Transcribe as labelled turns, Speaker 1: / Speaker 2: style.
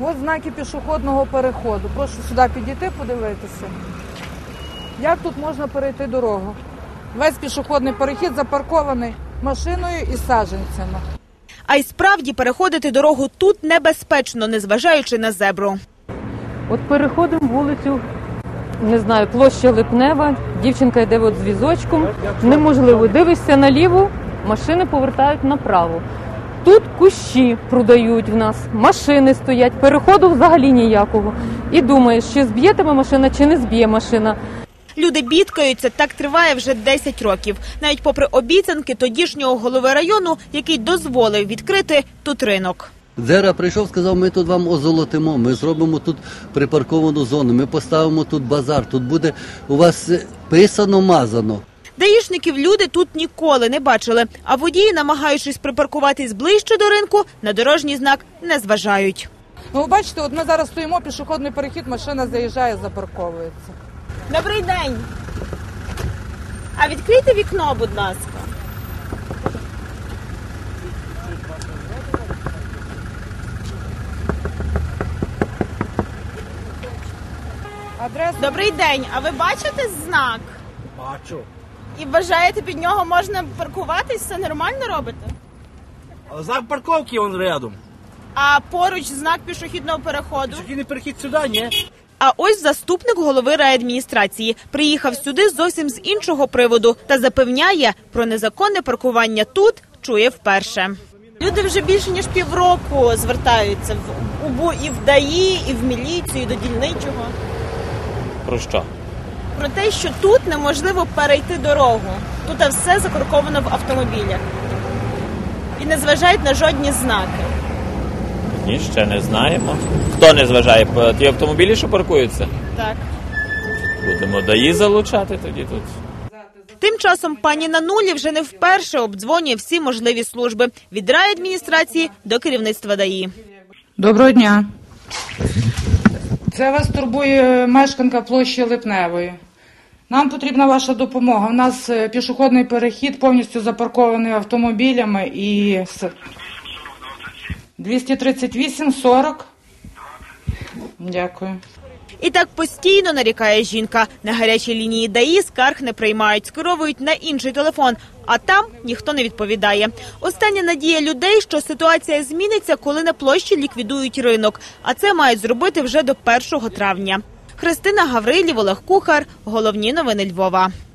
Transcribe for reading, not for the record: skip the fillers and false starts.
Speaker 1: Ось знаки пішохідного переходу. Прошу сюди підійти, подивитися. Як тут можна перейти дорогу? Весь пішохідний перехід запаркований машиною і саджанцями.
Speaker 2: А й справді переходити дорогу тут небезпечно, незважаючи на зебру.
Speaker 3: От переходимо вулицю, не знаю, площа Липнева, дівчинка йде от з візочком, неможливо, дивишся наліво, машини повертають направо. Тут кущі продають в нас, машини стоять, переходу взагалі ніякого. І думаєш, чи зб'є тебе машина, чи не зб'є машина.
Speaker 2: Люди бідкаються, так триває вже 10 років. Навіть попри обіцянки тодішнього голови району, який дозволив відкрити тут ринок.
Speaker 4: Дзера прийшов, сказав, ми тут вам озолотимо, ми зробимо тут припарковану зону, ми поставимо тут базар, тут буде у вас писано-мазано.
Speaker 2: Даїшників люди тут ніколи не бачили, а водії, намагаючись припаркуватись ближче до ринку, на дорожній знак не зважають.
Speaker 1: Ну, ви бачите, от ми зараз стоїмо, пішохідний перехід, машина заїжджає, запарковується.
Speaker 2: Добрий день. А відкрийте вікно, будь ласка.
Speaker 1: Адресу?
Speaker 2: Добрий день. А ви бачите знак?
Speaker 5: Бачу.
Speaker 2: І вважаєте, під нього можна паркуватись? Все нормально робите?
Speaker 5: А знак парковки он рядом.
Speaker 2: А поруч знак пішохідного переходу?
Speaker 5: Пішохідний перехід сюди, ні?
Speaker 2: А ось заступник голови райадміністрації. Приїхав сюди зовсім з іншого приводу та запевняє, про незаконне паркування тут чує вперше. Люди вже більше ніж півроку звертаються в УБУ і в ДАІ, і в міліцію, і до дільничого.
Speaker 6: Про що?
Speaker 2: Про те, що тут неможливо перейти дорогу. Тут все закарковано в автомобілях. І не зважають на жодні знаки.
Speaker 6: Ні, ще не знаємо. Хто не зважає? Ті автомобілі, що паркуються?
Speaker 2: Так.
Speaker 6: Будемо ДАІ залучати тоді тут.
Speaker 2: Тим часом пані Нанулі вже не вперше обдзвонює всі можливі служби. Від райадміністрації до керівництва ДАІ.
Speaker 1: Доброго дня. Це вас турбує мешканка площі Липневої. Нам потрібна ваша допомога. У нас пішохідний перехід повністю запаркований автомобілями і 238-40. Дякую.
Speaker 2: І так постійно нарікає жінка. На гарячій лінії ДАІ скарг не приймають, скеровують на інший телефон, а там ніхто не відповідає. Остання надія людей, що ситуація зміниться, коли на площі ліквідують ринок. А це мають зробити вже до 1 травня. Христина Гаврилів, Олег Кухар. Головні новини Львова.